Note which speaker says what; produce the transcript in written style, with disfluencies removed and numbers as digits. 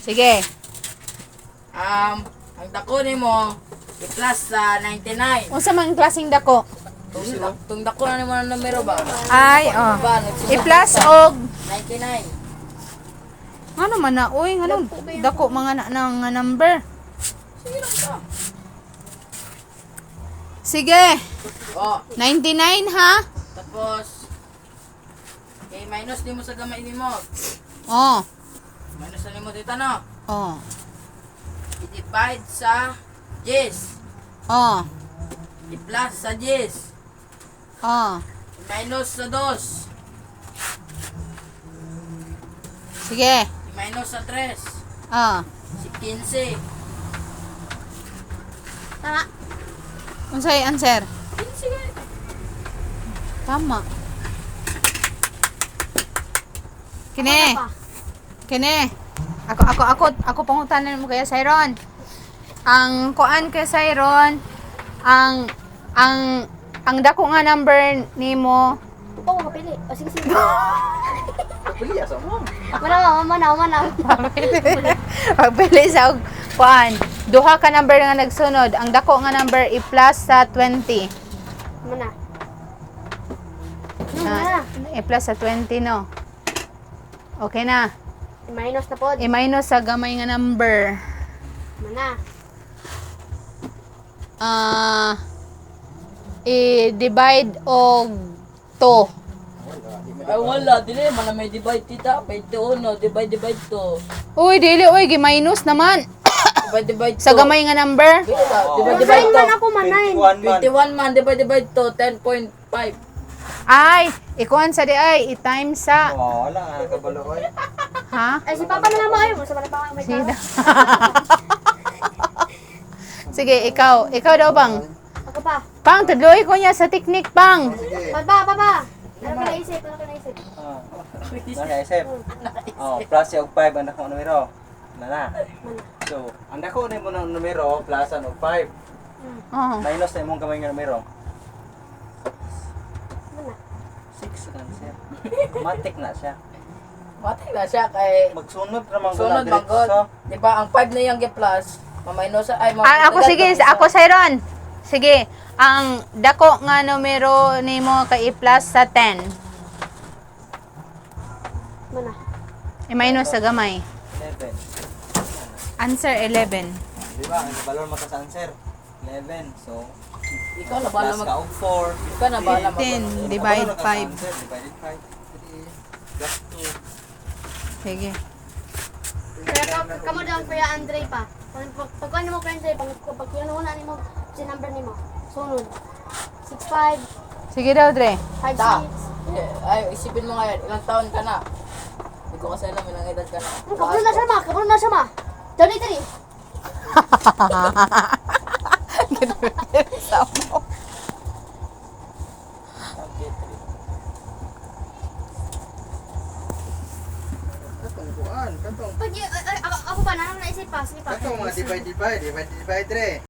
Speaker 1: Sige.
Speaker 2: Ang dako nimo i-plus sa 99.
Speaker 1: Unsa man klaseng dako?
Speaker 2: Tung dako na nimo ng numero ba?
Speaker 1: Ay, oh.
Speaker 2: Ba, nagsusunod
Speaker 1: I-plus
Speaker 2: sa
Speaker 1: og
Speaker 2: 99.
Speaker 1: ano man na, uy, ano, dako mga nga number.
Speaker 2: Sige lang ka.
Speaker 1: Sige.
Speaker 2: Oh,
Speaker 1: 99 ha?
Speaker 2: tapos minus nimo sa gamay nimo.
Speaker 1: Oh.
Speaker 2: Minus na nimo dito no.
Speaker 1: Oh.
Speaker 2: I-divide sa 10.
Speaker 1: Oh.
Speaker 2: I-plus sa 10.
Speaker 1: Oh.
Speaker 2: I-minus sa 2.
Speaker 1: Sige.
Speaker 2: I-minus sa 3.
Speaker 1: Oh.
Speaker 2: Si 15.
Speaker 3: Tama.
Speaker 1: Unsay answer?
Speaker 2: 15 ka.
Speaker 1: Tama. Kini.
Speaker 3: Pa.
Speaker 1: Kini. Ako pangutanan mo kaya Siron. Ang kuan kay Siron, ang dako nga number nimo.
Speaker 3: Oo, kapili. O, sige, sige.
Speaker 2: Pili asa mo.
Speaker 3: Manaw.
Speaker 1: Pagpili sa kuan, duha ka number nga nagsunod. Ang dako nga number i-plus sa 20.
Speaker 3: Mana.
Speaker 1: I-plus sa 20 no. Okay na.
Speaker 3: Minus na pod.
Speaker 1: I-minus sa gamay nga number.
Speaker 3: Mana.
Speaker 1: I-divide og 2.
Speaker 2: Ay wala, dili man na may divide tita. 21, divide 2.
Speaker 1: Uy, dili, uy, gi-minus naman.
Speaker 2: Divide
Speaker 1: Sa gamay nga number.
Speaker 2: Divide
Speaker 3: Man ako manay.
Speaker 2: 21 man, divide 2, 10.5.
Speaker 1: Ay, ikuan sa di ay, i-times sa,
Speaker 4: Oh, wala nga kabalo oy.
Speaker 1: ha?
Speaker 3: Ay, si Papa na lang mo. Ayaw mo. Sa mga pa may
Speaker 1: Sida.
Speaker 3: tao.
Speaker 1: Sige, ikaw daw bang?
Speaker 3: Ako pa.
Speaker 1: Pang, tudloy ko niya sa teknik, pang.
Speaker 4: Sige.
Speaker 3: Papa. Ano ka naisip?
Speaker 4: Ah. Naisip. Oh, plus yung 5 ang dako numero. Nana. So, ang dako nimo ng numero plus ang 5.
Speaker 1: Oh.
Speaker 4: Minus na imong kamay nga numero.
Speaker 3: Mana.
Speaker 4: 6 lang siya. Matik na siya.
Speaker 2: Matay na siya kay
Speaker 4: Magsunod ramang
Speaker 2: sunod manggod. Di ba ang 5 na yung plus, maminus ay
Speaker 1: Ako sige, ako Siron. Sige, ang dako nga numero nimo kay i-plus sa 10.
Speaker 3: Mana.
Speaker 1: I-minus sa gamay.
Speaker 4: 11.
Speaker 1: Answer 11.
Speaker 4: Di ba? Ang balon mo sa answer. 11. So,
Speaker 2: ikaw na bala
Speaker 4: plus
Speaker 2: mag
Speaker 4: ka og 4.
Speaker 2: ikaw na bala mag
Speaker 1: 10 divide 5.
Speaker 4: Divided 5. Plus 2.
Speaker 1: Sige.
Speaker 3: Kaya kamo daw kuya Andre pa. Pag ano mo kuya Andre, pag kinuha ni mo si number nimo. Sunod. 65,
Speaker 1: Sige daw, Dre.
Speaker 3: 56.
Speaker 2: ay isipin mo ngayon, ilang taon ka na? Hindi ko kasi alam ilang edad ka na.
Speaker 3: Kabulon na siya ma. Dali.
Speaker 4: Katong kuan, katong.
Speaker 3: Pag ako pa, nanang naisip pa. Sige pa.
Speaker 4: Katong mga divide 3.